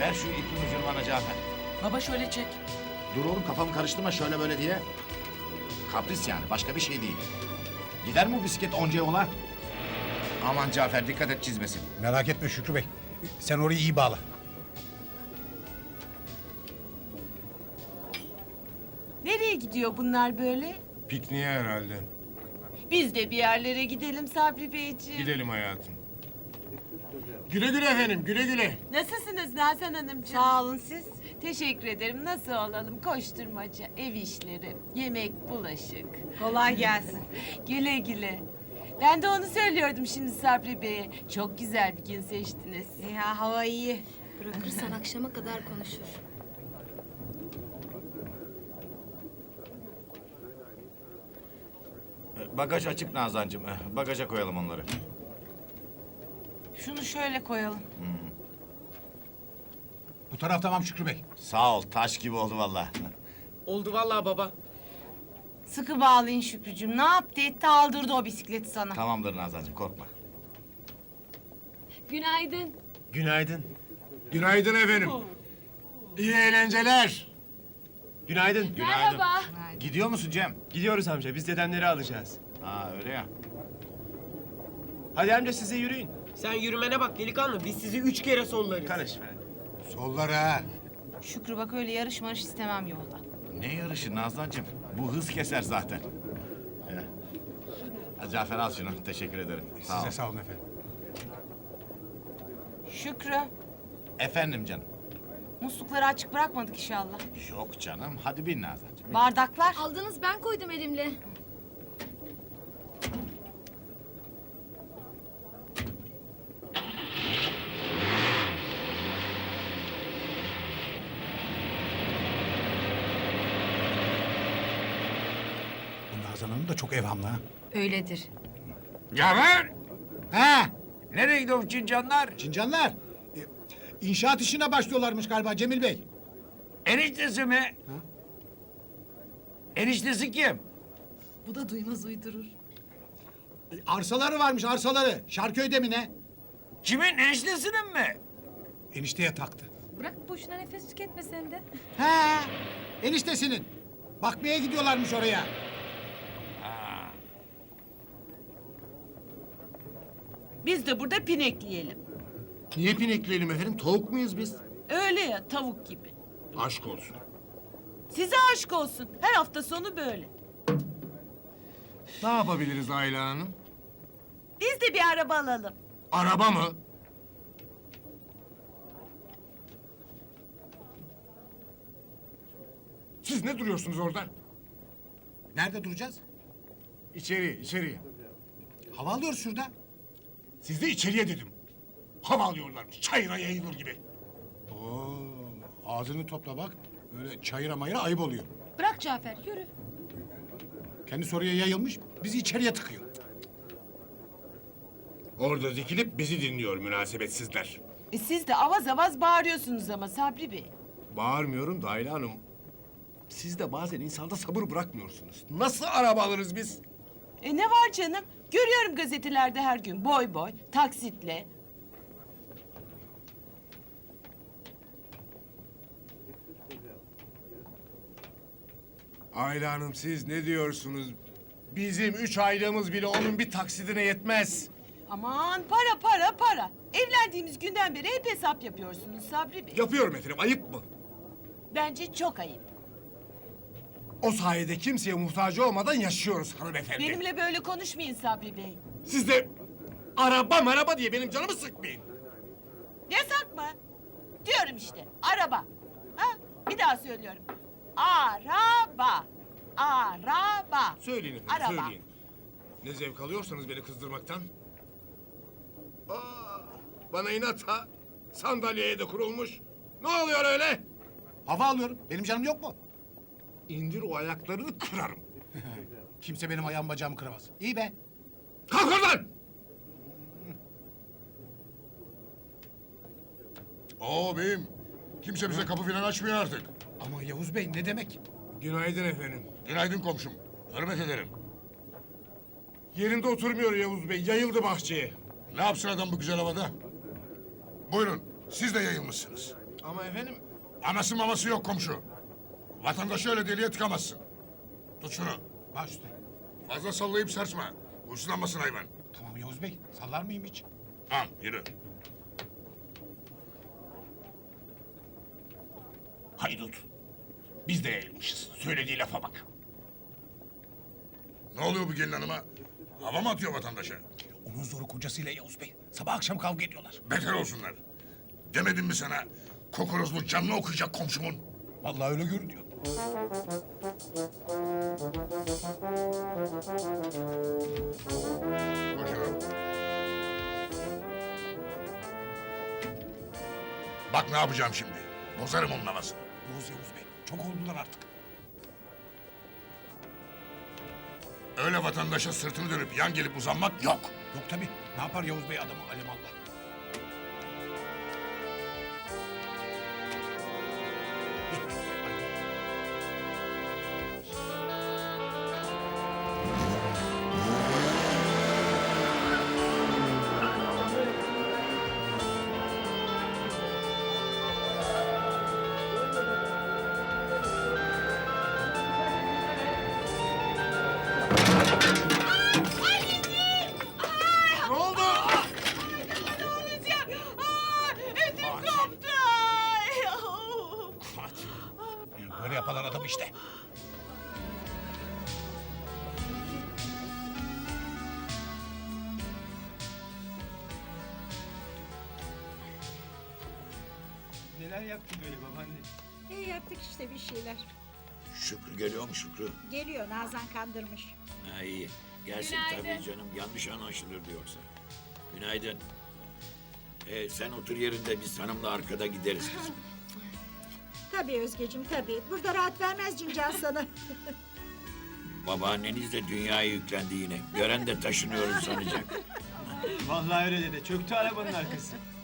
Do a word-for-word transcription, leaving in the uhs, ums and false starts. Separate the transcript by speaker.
Speaker 1: Ver şu ipin ucunu bana Cafer.
Speaker 2: Baba şöyle çek.
Speaker 1: Dur oğlum kafamı karıştırma şöyle böyle diye. Kapris yani başka bir şey değil. Gider mi bu bisiklet onca yola? Aman Cafer dikkat et çizmesin.
Speaker 3: Merak etme Şükrü Bey. Sen orayı iyi bağla.
Speaker 4: Nereye gidiyor bunlar böyle?
Speaker 5: Pikniğe herhalde.
Speaker 4: Biz de bir yerlere gidelim Sabri Beyciğim.
Speaker 5: Gidelim hayatım. Güle güle efendim, güle güle.
Speaker 4: Nasılsınız Nazan Hanımcığım? Sağ olun siz. Teşekkür ederim. Nasıl olalım? Koşturmaca, ev işleri, yemek, bulaşık. Kolay gelsin. Güle güle. Ben de onu söylüyordum şimdi Sabri Bey'e. Çok güzel bir gün seçtiniz.
Speaker 6: Ya hava iyi. Bırakırsan akşama kadar konuşur.
Speaker 1: Bagaj açık Nazancığım. Bagaja koyalım onları.
Speaker 4: Şunu şöyle koyalım.
Speaker 3: Bu taraf tamam Şükrü Bey.
Speaker 1: Sağ ol taş gibi oldu vallahi.
Speaker 2: Oldu vallahi baba.
Speaker 4: Sıkı bağlayın Şükrücüğüm. Ne yaptı etti aldırdı o bisikleti sana.
Speaker 1: Tamamdır Nazancığım korkma.
Speaker 6: Günaydın.
Speaker 5: Günaydın. Günaydın efendim. İyi eğlenceler.
Speaker 7: Günaydın.
Speaker 6: Merhaba.
Speaker 1: Gidiyor musun Cem?
Speaker 7: Gidiyoruz amca. Biz dedemleri alacağız.
Speaker 1: Ha öyle ya.
Speaker 7: Hadi amca siz de yürüyün.
Speaker 2: Sen yürümene bak delikanlı. Biz sizi üç kere sollarız.
Speaker 7: Karışma.
Speaker 5: Sollar ha.
Speaker 4: Şükrü bak öyle yarış marış istemem yolda.
Speaker 1: Ne yarışı Nazancığım? Bu hız keser zaten. Ya. Ha, Cafer al şunu. Teşekkür ederim. Sağ ol.
Speaker 3: Size sağ olun efendim.
Speaker 4: Şükrü,
Speaker 1: Efendim canım.
Speaker 4: muslukları açık bırakmadık inşallah.
Speaker 1: Yok canım. Hadi bin Nazancığım.
Speaker 4: Bardaklar.
Speaker 6: Aldınız ben koydum elimle.
Speaker 3: Bu Nazan Hanım da çok evhamlı ha.
Speaker 6: Öyledir.
Speaker 5: Cafer!
Speaker 3: Ha,
Speaker 5: Nereye gidiyor bu cincanlar?
Speaker 3: Çincanlar. e, İnşaat işine başlıyorlarmış galiba Cemil Bey.
Speaker 5: Eniştesi mi? Eniştesi kim?
Speaker 6: Bu da duymaz uydurur.
Speaker 3: E, Arsaları varmış arsaları. Şarköy'de mi ne?
Speaker 5: Kimin? Eniştesinin mi?
Speaker 3: Enişteye taktı.
Speaker 6: Bırak boşuna nefes tüketme sen de.
Speaker 3: Ha, eniştesinin. Bakmaya gidiyorlarmış oraya.
Speaker 4: Biz de burada pinekleyelim.
Speaker 5: Niye pinekleyelim efendim? Tavuk muyuz biz?
Speaker 4: Öyle ya tavuk gibi.
Speaker 5: Aşk olsun.
Speaker 4: Size aşk olsun. Her hafta sonu böyle.
Speaker 5: Ne yapabiliriz Ayla Hanım?
Speaker 4: Biz de bir araba alalım.
Speaker 5: Araba mı? Siz ne duruyorsunuz orada?
Speaker 3: Nerede duracağız?
Speaker 5: İçeri, içeriye.
Speaker 3: Hava alıyoruz şurada.
Speaker 5: Siz de içeriye dedim. Hava alıyorlarmış, çayıra yayılır gibi.
Speaker 3: Oo, ağzını topla bak. Öyle çayıra mayıra ayıp oluyor.
Speaker 6: Bırak Cafer yürü.
Speaker 3: Kendisi oraya yayılmış, bizi içeriye tıkıyor.
Speaker 5: Orada dikilip bizi dinliyor münasebetsizler.
Speaker 4: E siz de avaz avaz bağırıyorsunuz ama Sabri Bey.
Speaker 5: Bağırmıyorum da Ayla Hanım. Siz de bazen insanda sabır bırakmıyorsunuz. Nasıl araba alırız biz?
Speaker 4: E ne var canım? Görüyorum gazetelerde her gün boy boy, taksitle.
Speaker 5: Ayla Hanım siz ne diyorsunuz? Bizim üç aylığımız bile onun bir taksidine yetmez.
Speaker 4: Aman para para para. Evlendiğimiz günden beri hep hesap yapıyorsunuz Sabri Bey.
Speaker 5: Yapıyorum efendim, ayıp mı?
Speaker 4: Bence çok ayıp.
Speaker 5: O sayede kimseye muhtaç olmadan yaşıyoruz hanımefendi.
Speaker 4: Benimle böyle konuşmayın Sabri Bey.
Speaker 5: Siz de araba maraba diye benim canımı sıkmayın.
Speaker 4: Yasak mı? Diyorum işte araba. Ha? Bir daha söylüyorum. Araba. Araba.
Speaker 5: Söyleyin efendim,
Speaker 4: Araba.
Speaker 5: söyleyin. Ne zevk alıyorsanız beni kızdırmaktan. Aa, bana inat ha. Sandalyeye de kurulmuş. Ne oluyor öyle?
Speaker 3: Hava alıyorum. Benim canım yok mu?
Speaker 5: İndir o ayaklarını kırarım.
Speaker 3: Kimse benim ayağım bacağımı kıramaz. İyi be.
Speaker 5: Kalk oradan!
Speaker 8: Oo beyim, kimse bize kapı filan açmıyor artık.
Speaker 3: Ama Yavuz Bey ne demek?
Speaker 5: Günaydın efendim.
Speaker 8: Günaydın komşum, hürmet ederim.
Speaker 5: Yerinde oturmuyor Yavuz Bey, yayıldı bahçeye.
Speaker 8: Ne yapsın adam bu güzel havada? Buyurun, siz de yayılmışsınız.
Speaker 5: Ama efendim...
Speaker 8: Aması maması yok komşu. Vatandaşı öyle deliye tıkamazsın. Tut şunu.
Speaker 3: Baş üstüne.
Speaker 8: Fazla sallayıp sarsma. Huysuzlanmasın hayvan.
Speaker 3: Tamam Yavuz Bey. Sallar mıyım hiç?
Speaker 8: Al yürü.
Speaker 3: Haydut. Biz de yayılmışız. Söylediği lafa bak.
Speaker 8: Ne oluyor bu gelin hanıma? Hava mı atıyor vatandaşa?
Speaker 3: Onun zoru kocasıyla Yavuz Bey. Sabah akşam kavga ediyorlar.
Speaker 8: Beter olsunlar. Demedim mi sana? Kokorozlu canını okuyacak komşumun.
Speaker 3: Vallahi öyle görünüyor.
Speaker 8: Bakıyorum. Bak ne yapacağım şimdi. Bozarım onun havasını.
Speaker 3: Yavuz Yavuz Bey. Çok oldular artık.
Speaker 8: Öyle vatandaşa sırtını dönüp yan gelip uzanmak yok.
Speaker 3: Yok tabii. Ne yapar Yavuz Bey adamı alimallah.
Speaker 5: Ne oldu?
Speaker 4: Ödüm koptu. Ay, oh.
Speaker 3: Böyle yaparlar adam işte.
Speaker 7: Neler yaptın böyle babaanne?
Speaker 9: İyi yaptık işte bir şeyler.
Speaker 10: Şükrü geliyor mu Şükrü?
Speaker 9: Geliyor Nazan kandırmış.
Speaker 10: Ha iyi. Gelsin tabii canım. Yanlış anlaşılırdı yoksa. Günaydın. Ee, sen otur yerinde biz hanımla arkada gideriz kızım.
Speaker 9: Tabii Özgeciğim tabii. Burada rahat vermez Cincan sana.
Speaker 10: Babaanneniz de dünyaya yüklendi yine. Gören de taşınıyorum sanacak.
Speaker 7: Vallahi öyle dede. Çöktü arabanın arkası.